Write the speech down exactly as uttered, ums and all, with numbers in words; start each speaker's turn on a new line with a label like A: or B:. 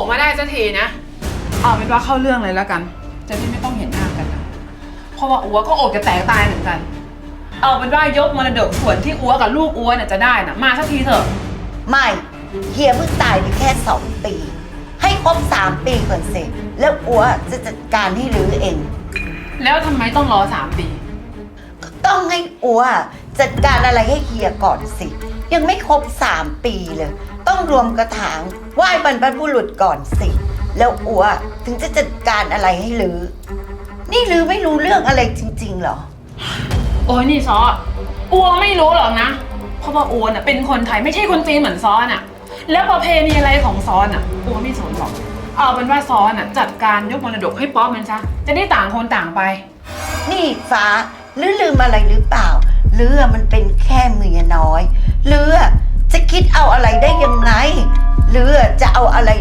A: กมาได้สักทีนะเอาเป็นว่าเข้าเรื่องเลยแล้วกันจะได้ไม่ต้องเห็นหน้ากันนะเพราะว่าอัวก็อกจะแตกตายเหมือนกันเอาเป็นว่ายกมรดกส่วนที่อัวกับลูกอัวเนี่ยจะได้นะมาสักทีเถอะ
B: ไม่เฮียเพิ่งตายไปแค่สองปีให้ครบสามปีก่อนสิแล้วอัวจะจัดการให้รื้อเอง
A: แล้วทำไมต้องรอสามปี
B: ก็ต้องให้อัวจัดการอะไรให้เฮียก่อนสิยังไม่ครบสามปีเลยต้องรวมกระถางไหว้บรรพบุรุษก่อนสิแล้วอัวถึงจะจัดการอะไรให้รื้อนี่รื้อไม่รู้เรื่องอะไรจริงๆเหรอ
A: โอ้ยนี่ซออัวไม่รู้หรอกนะเพราะว่าอัวน่ะเป็นคนไทยไม่ใช่คนจีนเหมือนซอน่ะแล้วประเพณีอะไรของซอน่ะอัวไม่สนหรอกเอาเป็นว่าซอน่ะจัดการยกมรดกให้ป๊อปมันซะจะได้ต่างคนต่างไป
B: นี่ฟ้าลือลืมอะไรหรือเปล่าเลือมันเป็นแค่เมียน้อยเลือจะคิดเอาอะไรได้ยังไงเลือจะเอาอะไร